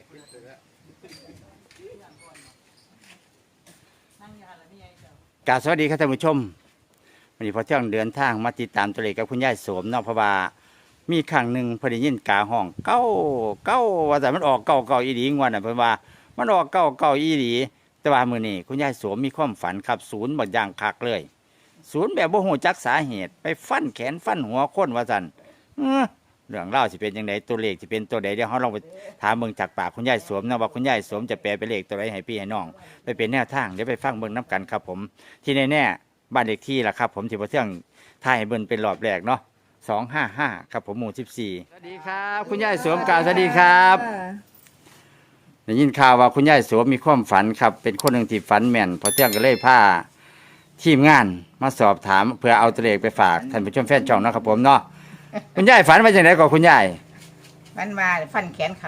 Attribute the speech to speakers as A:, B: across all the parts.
A: กราบสวัสดีครับท่านผู้ชมวันนี้พอเที่ยงเดินทางมาติดตามตัวเลขกับคุณยายโสมเนาะเพราะว่ามีครั้งหนึ่งพอได้ยินกาห้องเก้าว่าแต่มันออกเก้าอีหลีงวดน่ะเพิ่นว่ามันออกเก้าอีหลีแต่ว่ามื้อนี้คุณยายโสมมีความฝันครับศูนย์บ่อย่างคักเลยศูนย์แบบบ่ฮู้จักสาเหตุไปฟันแขนฟันหัวคนว่าซั่นเรื่องเล่าวสิเป็นยังไงตัวเลขสิเป็นตัวใดเดี๋ยวเราลองไปถามเบิ่งจากปากคุณยายโสมนะว่าคุณยายโสมจะแปลเป็นเลขตัวใดให้พี่ให้น้องไปเป็นแนวทางเดี๋ยวไปฟังเบิ่งน้กันครับผมที่แน่ๆบ้านเลขที่ล่ะครับผมที่พอเที่ยงถ่ายให้เบิ่งเป็นรอบแรกเนาะ255ครับผมหมู่14สวัสดีครับคุณยายโสมกล่าวสวัสดีครับได้ยินข่าวว่าคุณยายโสมมีความฝันครับเป็นคนหนึ่งที่ฝันแม่นพอเที่ยงก็เลยพาทีมงานมาสอบถามเพื่อเอาตัวเลขไปฝากท่านผู้ชมแฟนช่องนะครับผมเนาะคุณยายฝันว่าจังได๋ก่อนคุณยาย
B: มันมาฟันแขนเขา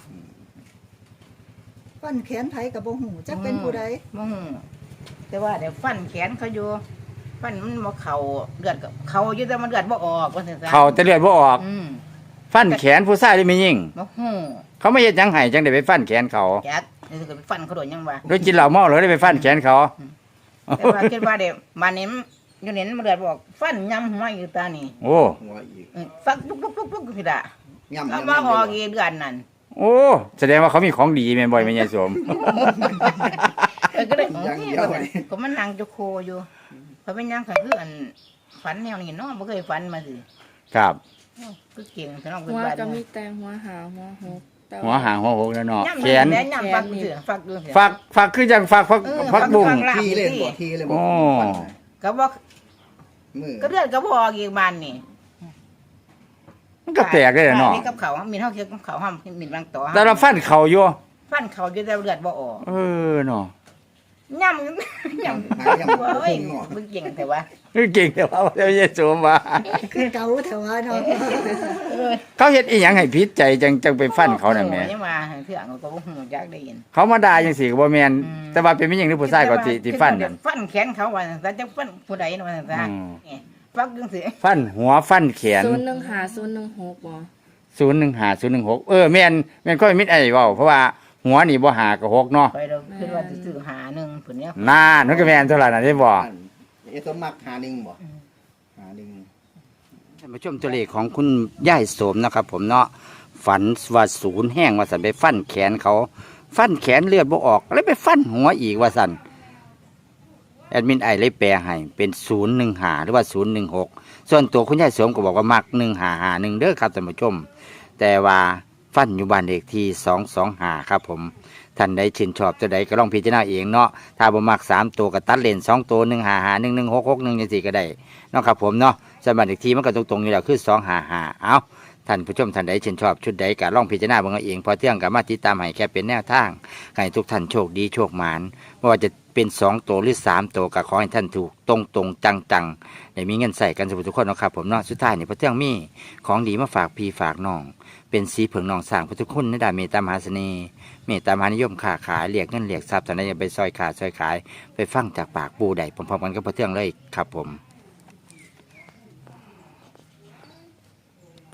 C: ฟันแขนไผกับบ่หูจักเป็นผู้ใด
B: มึงแต่ว่าเดี๋ยวฟันแขนเขาอยู่ฟันมันบ่เข่าเลือดกับเขาอยู่แต่มันเลือดบ่ออกว่าซั่นซะ
A: เขาแต่เลือดบ่ออกฟันแขนผู้ชายหรือไม่ยิ่ง
B: บ่ฮู้
A: เขาไม่เฮ็ดหยังให้จังได้ไปฟันแขนเขา
B: จักนี่ก็ไปฟันเขาโดนยังวะ
A: โดยกินเหล้าเมาหรือได้ไปฟันแขนเขา
B: แต่ว่าคิดว่าเดี๋ยวมานี่อยู่นี่มันเลือดบ่ออกฟันยำหัวอยู่ตานี่
A: โอ้
D: หัวอีก
B: ฟักลุกๆๆๆคือดะ
D: ย่ำ
B: เอามาออกอีเดือนนั่น
A: โอ้แสดงว่าเขามีของดีแม่นบ่อยแม่ยายสม
B: ก็ได้ก็มันนั่งจะโคอยู่เพราะเป็นยังก็คืออันฝันแนวนี้เนาะบ่เคยฝันมาสิ
A: ครับ
B: ก็เก่งแต่น้อง
E: หั
B: เป็น
E: ว
B: บ้าน
E: ก็มีแต่หัวหาหัวหกแต่
A: หัวหางหัวหกแล้วเนาะแขน
B: ย่ำฟักเสือฟักเสือ
A: ฝักคือจังฝักบุ้ง
D: ที่เล่นบ่ที่เลยบ่
A: โอ้
B: ก็บอก
D: มือ
B: ก็เลือดก็บอกอีกบ้านนี่
A: มันก็แปลกได้เนาะ
B: มีกับเขามีเท่าเคียวกับเขาห้ามมีบางต่อ
A: แต่เราฟันเขาอยู่
B: ฟันเขาอยู่แต่เลือดบ่ออก
A: เนาะ
B: ย่ำย่ำ
D: หาย่ำบ่
B: เฮ้ย
D: พุ่งเนาะ
B: มึงเก่งแต่ว่า
A: เก่งแต่ว่าแม่ยายสมว่า
C: คือเก่าแถวเนาะ
A: เขาเฮ็ดอีหยังให้ผิดใจจังไปฟันเขาน่ะแม่
B: ยังมาเถื่อนก็บ่ฮู้จักได้ยิน
A: เขามาด่าจังซี่ก็บ่แม่นแต่ว่าเป็นผู้หญิงหรือผู้ชายก็ที่ฟันนั่น
B: ฟันแขนเขาว่าแต่จังฟันผู้ใดว่าซั่นซะฟักจังซี่
A: ฟันหัวฟันแขน
E: 015 016บ่
A: 015 016แม่นค่อยมิดไอ้เว้าเพราะว่าหัวนี่บ่หากับ6เนาะ
B: ไปเราคิดว่าจะซื้อหาหนึ่งผุนเนี้ย
A: นานมันก็แม่นเท่าไหร่น่ะได้บ่
D: เอสมักหาหนึ่งบ่หาหนึ่ง
A: ท่านผู้ชมตัวเลขของคุณยายโสมนะครับผมเนาะฝันว่าศูนย์แห้งว่าซั่นไปฟันแขนเขาฟันแขนเลือดบ่ออกแล้วไปฟันหัวอีกว่าซั่นแอดมินไอเลยแปลให้เป็น015หรือว่า016ส่วนตัวคุณยายโสมก็บอกว่ามัก1551เด้อครับท่านผู้ชมแต่ว่าฟันอยู่บ้านเลขที่225ครับผมท่านใดชื่นชอบตัวใดก็ลองพิจารณาเองเนาะถ้าบ่มัก3ตัวก็ตัดเลน2ตัว155 1166 จังซี่ก็ได้เนาะครับผมเนาะสำหรับเลขที่มันก็ตรงๆอยู่แล้วคือ255เอาท่านผู้ชมท่านใดชื่นชอบชุดใดก็ลองพิจารณาเบิ่งเอาเองพอเที่ยงก็มาติดตามให้แค่เป็นแนวทางให้ทุกท่านโชคดีโชคหมานไม่ว่าจะเป็น2ตัวหรือ3ตัวก็ขอให้ท่านถูกตรงๆจังๆได้มีเงินใส่กันทุกคนเนาะครับผมเนาะสุดท้ายนี่พอเที่ยงมีของดีมาฝากพี่ฝากน้องเป็นสีเผิงนองสร้างพุทธคุณในด้านเมตตามหาเสน่ห์เมตตามหานิยมค้าขายเรียกเงินเรียกทรัพย์ท่านใดจะไปซอยขาซอยขายไปฟังจากปากปูใดพร้อมๆกันก็พอเที่ยงเลยครับผม